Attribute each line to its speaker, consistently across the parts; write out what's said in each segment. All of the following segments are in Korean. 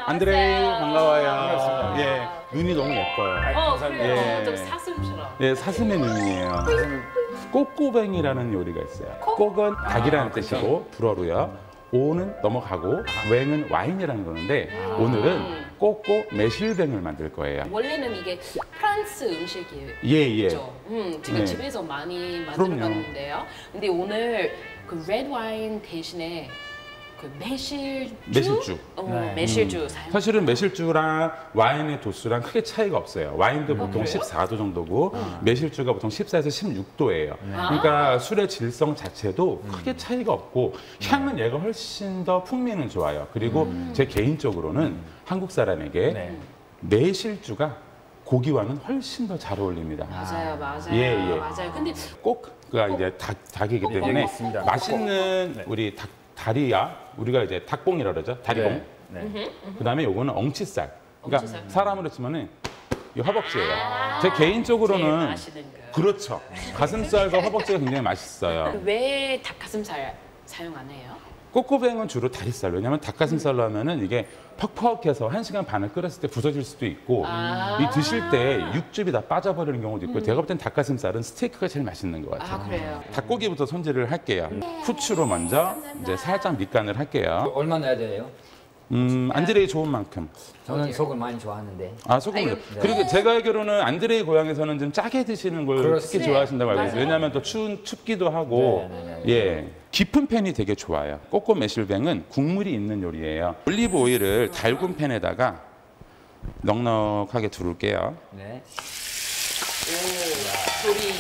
Speaker 1: 안드레이 반가워요.
Speaker 2: 반갑습니다.
Speaker 1: 예, 눈이 너무 예뻐요.
Speaker 2: 감사합니다.
Speaker 1: 예.
Speaker 3: 좀 사슴처럼.
Speaker 1: 예, 사슴의 눈이에요. 꼬꼬뱅이라는 요리가 있어요. 꼬은 닭이라는 뜻이고 불어로요. 오는 넘어가고 웽은 와인이라는 거는데 오늘은 꼬꼬 매실뱅을 만들 거예요.
Speaker 3: 원래는 이게 프랑스 음식이에요.
Speaker 1: 예.
Speaker 3: 그렇죠? 제가
Speaker 1: 네.
Speaker 3: 집에서 많이
Speaker 1: 그럼요.
Speaker 3: 만들어봤는데요. 근데 오늘 그 레드 와인 대신에 그 매실주?
Speaker 1: 매실주.
Speaker 2: 네.
Speaker 3: 매실주 사용.
Speaker 1: 사실은 매실주랑 와인의 도수랑 크게 차이가 없어요. 와인도 보통
Speaker 3: 그래요?
Speaker 1: 14도 정도고 매실주가 보통 14에서 16도예요. 그러니까 술의 질성 자체도 크게 차이가 없고 향은 얘가 훨씬 더 풍미는 좋아요. 그리고 제 개인적으로는 한국 사람에게
Speaker 2: 네.
Speaker 1: 매실주가 고기와는 훨씬 더 잘 어울립니다.
Speaker 3: 맞아요.
Speaker 1: 예.
Speaker 3: 맞아요. 근데
Speaker 1: 꼬크가 이제 닭이기 때문에
Speaker 2: 있습니다.
Speaker 1: 맛있는
Speaker 2: 네.
Speaker 1: 우리 다리야, 우리가 이제 닭봉이라 그러죠. 다리봉.
Speaker 2: 네.
Speaker 1: 그다음에 요거는 엉치살. 그러니까
Speaker 3: 엉치살.
Speaker 1: 사람으로 치면은 이 허벅지예요. 제
Speaker 3: 제일
Speaker 1: 개인적으로는
Speaker 3: 맛있는 거.
Speaker 1: 그렇죠. 가슴살과 허벅지가 굉장히 맛있어요.
Speaker 3: 왜 닭가슴살 사용 안 해요?
Speaker 1: 꼬꼬뱅은 주로 다리살. 왜냐면 닭가슴살로 하면은 이게 퍽퍽해서 1시간 반을 끓였을 때 부서질 수도 있고 이 드실 때 육즙이 다 빠져버리는 경우도 있고 제가 볼 땐 닭가슴살은 스테이크가 제일 맛있는 것 같아요.
Speaker 3: 아, 그래요?
Speaker 1: 닭고기부터 손질을 할게요. 후추로 먼저 이제 살짝 밑간을 할게요.
Speaker 4: 얼마 넣어야 돼요?
Speaker 1: 안드레이 좋은 만큼.
Speaker 4: 저는 속을 많이 좋아하는데.
Speaker 1: 아, 소금을. 그리고 제가 알기로는 안드레이 고향에서는 좀 짜게 드시는 걸 특히
Speaker 4: 그렇습니다.
Speaker 1: 좋아하신다고 알고 있어요.
Speaker 3: 맞아요.
Speaker 1: 왜냐하면 또 춥기도 하고, 예. 깊은 팬이 되게 좋아요. 꼬꼬 매실뱅은 국물이 있는 요리예요. 올리브 오일을 달군 팬에다가 넉넉하게 두를게요.
Speaker 4: 네.
Speaker 3: 소리.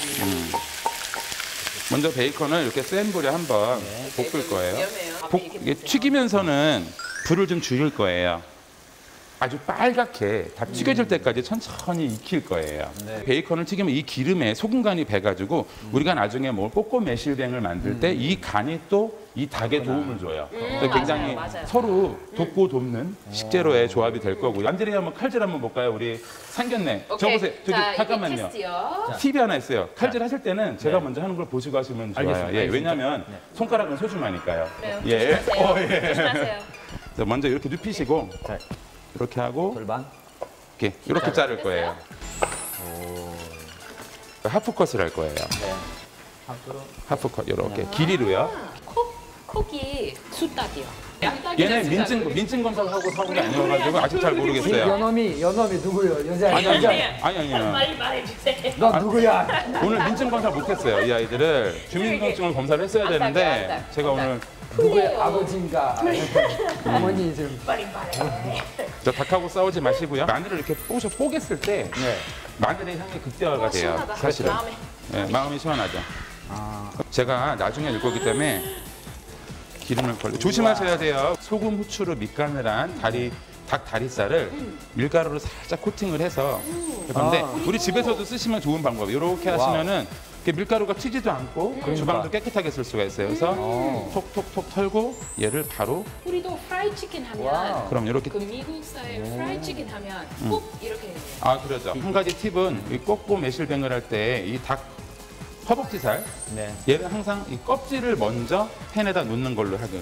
Speaker 1: 먼저 베이컨을 이렇게 센 불에 한번 볶을 거예요.
Speaker 3: 위험해요.
Speaker 1: 이게 튀기면서는 불을 좀 줄일 거예요. 아주 빨갛게 다 튀겨질 때까지 천천히 익힐 거예요. 베이컨을 튀기면 이 기름에 소금 간이 배가지고 우리가 나중에 뭐 꼬꼬 매실뱅을 만들 때 이 간이 또 이 닭에 도움을 줘요. 그래서 굉장히
Speaker 3: 맞아요.
Speaker 1: 서로 돕고 돕는 식재료의 조합이 될 거고. 안드레이 한번 칼질 한번 볼까요? 우리 상견례. 저
Speaker 3: 오케이.
Speaker 1: 보세요. 저기
Speaker 3: 자, 이게
Speaker 1: 잠깐만요.
Speaker 3: 테스트요.
Speaker 1: 팁이 하나 있어요. 칼질 하실 때는 제가 먼저 하는 걸 보시고 하시면 좋아요.
Speaker 2: 알겠습니다.
Speaker 1: 예, 왜냐하면 손가락은 소중하니까요.
Speaker 3: 그래요.
Speaker 1: 예.
Speaker 3: 조심하세요. 조심하세요.
Speaker 1: 그래서 먼저 이렇게 눕히시고
Speaker 2: 자.
Speaker 1: 이렇게 하고
Speaker 4: 골반.
Speaker 1: 이렇게 자를 거예요. 하프컷을 할 거예요.
Speaker 4: 앞으로.
Speaker 1: 하프컷 이렇게 길이로요.
Speaker 3: 콕이 숫닭이요.
Speaker 1: 얘네 민증 검사를 하고 사온 게 아니어가지고 아직 잘 모르겠어요.
Speaker 4: 연놈이 누구요? 여자.
Speaker 1: 아니.
Speaker 3: 빨리 말해주세요.
Speaker 4: 너 누구야?
Speaker 1: 오늘 민증 검사 못했어요. 이 아이들을 주민등록증을 검사를 했어야 되는데 제가 오늘
Speaker 4: 누구의 아버지인가? 어머니 좀.
Speaker 3: 빨리 말해.
Speaker 1: 저 닭하고 싸우지 마시고요. 마늘을 이렇게 뽀겠을 때 마늘의 향이 극대화가 돼요.
Speaker 3: 시원하다.
Speaker 1: 사실은.
Speaker 3: 마음에.
Speaker 1: 네, 마음이 시원하죠. 제가 나중에 읽 거기 때문에 기름을 걸려 조심하셔야 돼요. 소금, 후추로 밑간을 한 닭 다리살을 밀가루로 살짝 코팅을 해서 그런데 우리 집에서도 쓰시면 좋은 방법이에요. 이렇게 하시면은 이렇게 밀가루가 튀지도 않고 주방도 깨끗하게 쓸 수가 있어요. 그래서 톡톡톡 털고 얘를 바로
Speaker 3: 우리도 프라이 치킨 하면
Speaker 4: 와우.
Speaker 1: 그럼 이렇게
Speaker 3: 그 미국 스타일 프라이 치킨 하면 꼭 이렇게 해요.
Speaker 1: 그러죠. 한 가지 팁은 이 꼬꼬 매실뱅을 할 때 이 닭 허벅지살
Speaker 2: 네.
Speaker 1: 얘를 항상 이 껍질을 먼저 팬에다 놓는 걸로 하고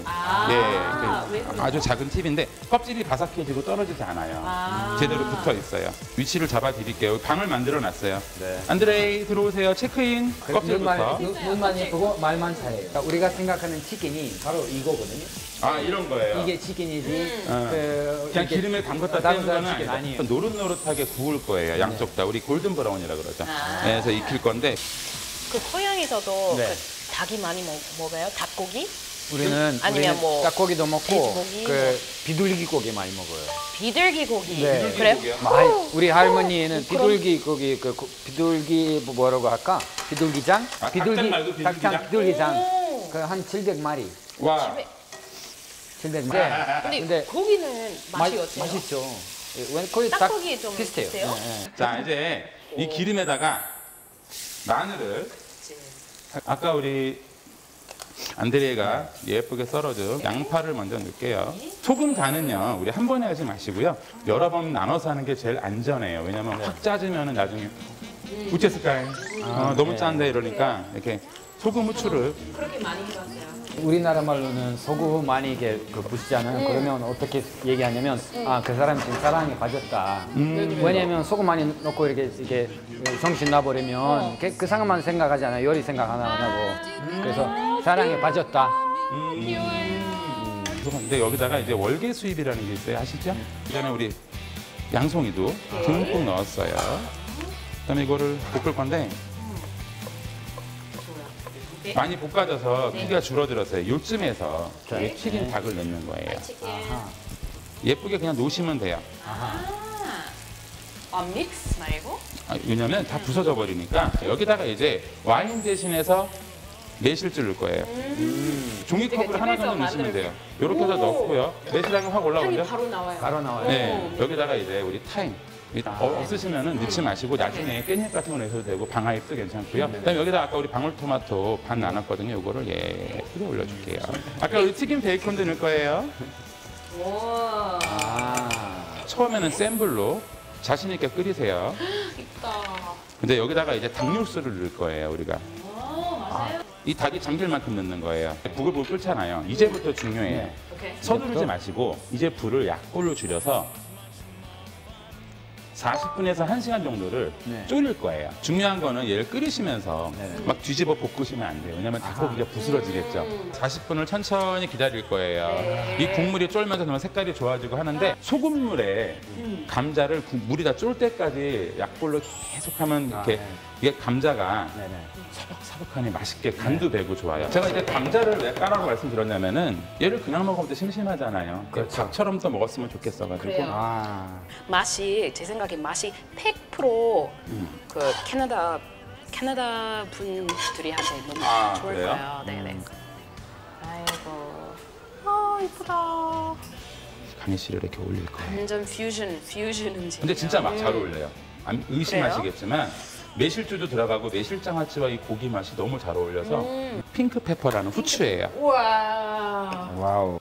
Speaker 3: 왜 그래요?
Speaker 1: 아주 작은 팁인데 껍질이 바삭해지고 떨어지지 않아요. 제대로 붙어 있어요. 위치를 잡아 드릴게요. 방을 만들어 놨어요.
Speaker 2: 네.
Speaker 1: 안드레이 들어오세요. 체크인. 껍질부터.
Speaker 4: 눈만 예쁘고 말만 잘해요. 그러니까 우리가 생각하는 치킨이 바로 이거거든요.
Speaker 1: 이런 거예요.
Speaker 4: 이게 치킨이지.
Speaker 1: 그냥
Speaker 4: 이렇게
Speaker 1: 기름에 담궜다
Speaker 4: 담궜다
Speaker 1: 떼는 거는
Speaker 4: 치킨
Speaker 1: 아니에요. 노릇노릇하게 구울 거예요. 양쪽 다. 우리 골든 브라운이라 그러죠. 네, 그래서 익힐 건데
Speaker 3: 그 고향에서도
Speaker 2: 네.
Speaker 3: 그 닭이 많이 먹어요? 닭고기?
Speaker 4: 우리는
Speaker 3: 뭐
Speaker 4: 닭고기도 먹고
Speaker 3: 돼지고기,
Speaker 4: 그 비둘기 고기 많이 먹어요.
Speaker 3: 비둘기 고기.
Speaker 4: 네.
Speaker 3: 그래요?
Speaker 4: 우리 할머니는
Speaker 3: 그럼-
Speaker 4: 비둘기 고기 비둘기 뭐라고 할까? 비둘기장?
Speaker 1: 닭장 말고 비둘기장?
Speaker 4: 비둘기장. 그 한 700마리.
Speaker 1: 와
Speaker 4: 700마리.
Speaker 3: 근데 고기는 맛이 어때요?
Speaker 4: 맛있죠. 왜 거의
Speaker 3: 닭고기 좀
Speaker 4: 비슷해요.
Speaker 3: 비슷해요?
Speaker 4: 네.
Speaker 1: 자 이제 이 기름에다가 마늘을 아까 우리 안드레이가 예쁘게 썰어준 양파를 먼저 넣을게요. 소금 간은요 우리 한 번에 하지 마시고요 여러 번 나눠서 하는 게 제일 안전해요. 왜냐면 확 짜지면 나중에 우체스카이 너무 짠데 이러니까 이렇게 소금, 후추를
Speaker 3: 그렇게 많이 해봤어요.
Speaker 4: 우리나라 말로는 소금 많이 이게 그 부시잖아요. 그러면 어떻게 얘기하냐면 아 그 사람 지금 사랑에 빠졌다. 왜냐면 소금 많이 넣고 이렇게 정신 나버리면 그 상황만 생각하지 않아요. 요리 생각 하나 안 하고. 그래서 사랑에 빠졌다.
Speaker 1: 근데 여기다가 이제 월계 수잎이라는 게 있어요. 아시죠? 그다음에 우리 양송이도 듬뿍 넣었어요. 그다음에 이거를 볶을 건데 많이 볶아져서 크기가 줄어들었어요. 요쯤에서 이 튀긴 닭을 넣는 거예요. 예쁘게 그냥 놓으시면 돼요.
Speaker 3: 믹스 말고?
Speaker 1: 왜냐면 다 부서져 버리니까 여기다가 이제 와인 대신해서 매실주 넣을 거예요. 종이컵을 하나 정도 넣으시면 돼요. 이렇게 해서 넣고요. 매실향이 확
Speaker 3: 향이
Speaker 1: 올라오죠?
Speaker 3: 바로 나와요.
Speaker 4: 바로 나와요.
Speaker 1: 네, 여기다가 이제 우리 타임. 없으시면은 넣지 마시고 나중에 깻잎 같은 거 넣으셔도 되고 방아잎도 괜찮고요. 그다음에 여기다 아까 우리 방울토마토 반 나눴거든요. 이거를 예쁘게 올려줄게요. 아까 우리 튀김 베이컨도 넣을 거예요.
Speaker 3: 와,
Speaker 1: 처음에는 센 불로 자신 있게 끓이세요.
Speaker 3: 있다.
Speaker 1: 근데 여기다가 이제 닭육수를 넣을 거예요. 우리가.
Speaker 3: 맞아요.
Speaker 1: 이 닭이 잠길 만큼 넣는 거예요. 부글부글 끓잖아요. 이제부터 중요해요.
Speaker 3: 오케이.
Speaker 1: 서두르지 마시고 이제 불을 약불로 줄여서 40분에서 1시간 정도를
Speaker 4: 네.
Speaker 1: 졸일 거예요. 중요한 거는 얘를 끓이시면서 막 뒤집어 볶으시면 안 돼요. 왜냐면 닭고기가 부스러지겠죠. 40분을 천천히 기다릴 거예요.
Speaker 3: 네.
Speaker 1: 이 국물이 쫄면서 그러면 색깔이 좋아지고 하는데 소금물에 감자를 물이 다 쫄 때까지 약불로 계속하면 이렇게
Speaker 4: 네.
Speaker 1: 이게 감자가
Speaker 4: 네네.
Speaker 1: 사복사복하니 맛있게 간도 배고 좋아요. 제가 이제 감자를 왜 까라고 말씀드렸냐면은 얘를 그냥 먹으면 또 심심하잖아요.
Speaker 4: 그렇죠.
Speaker 1: 밥처럼 또 먹었으면 좋겠어가지고.
Speaker 3: 그래요.
Speaker 2: 맛이 제 생각에 맛이 100%그 캐나다 분들이한테 너무 좋을
Speaker 1: 그래요?
Speaker 2: 거예요. 네네. 아이고, 이쁘다.
Speaker 1: 강희 씨를 이렇게 올릴 거예요.
Speaker 2: 완전 퓨전 음식.
Speaker 1: 근데 진짜 막 잘 어울려요. 의심하시겠지만 매실주도 들어가고 매실장아찌와 이 고기 맛이 너무 잘 어울려서 핑크페퍼라는 후추예요.
Speaker 3: 와.
Speaker 4: 와우.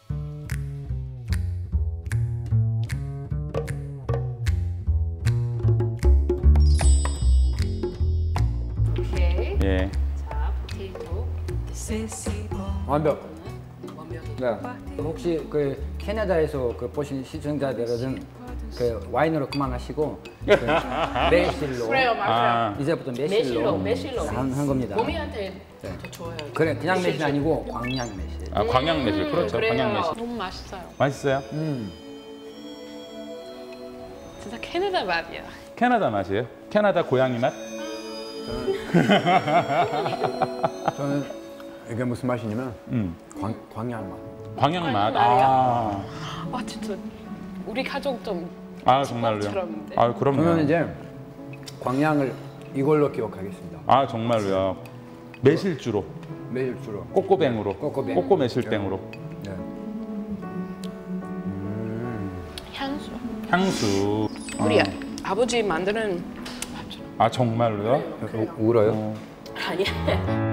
Speaker 3: 오케이.
Speaker 1: 예.
Speaker 3: 자, 포테이토.
Speaker 4: 완벽.
Speaker 3: 원명이.
Speaker 4: 네. 혹시 그 캐나다에서 그 보신 시청자들은 그 와인으로 그만하시고 그 매실로
Speaker 3: 그래요, 맞아요.
Speaker 4: 이제부터
Speaker 3: 매실로,
Speaker 4: 매실로 한 겁니다.
Speaker 3: 몸이한테 더 좋아요.
Speaker 4: 그래 그냥 매실 아니고 광양 매실.
Speaker 1: 광양 매실. 그렇죠.
Speaker 3: 그래요.
Speaker 1: 광양 매실.
Speaker 2: 너무 맛있어요.
Speaker 1: 맛있어요?
Speaker 2: 진짜 캐나다 맛이야.
Speaker 1: 캐나다 맛이에요? 캐나다 고양이 맛?
Speaker 5: 저는 이게 무슨 맛이냐면 광양 맛.
Speaker 1: 광양 맛.
Speaker 2: 와 진짜 우리 가족 좀
Speaker 1: 정말로요?
Speaker 2: 집밥처럼, 네.
Speaker 1: 그럼요.
Speaker 5: 저는 이제 광양을 이걸로 기억하겠습니다.
Speaker 1: 정말로요. 매실주로,
Speaker 5: 매일주로.
Speaker 1: 꼬꼬뱅으로,
Speaker 5: 꼬꼬뱅.
Speaker 1: 꼬꼬 매실뱅으로.
Speaker 5: 네.
Speaker 2: 향수.
Speaker 1: 향수.
Speaker 2: 우리 아버지 만드는
Speaker 1: 정말로요?
Speaker 5: 울어요?
Speaker 3: 아니야.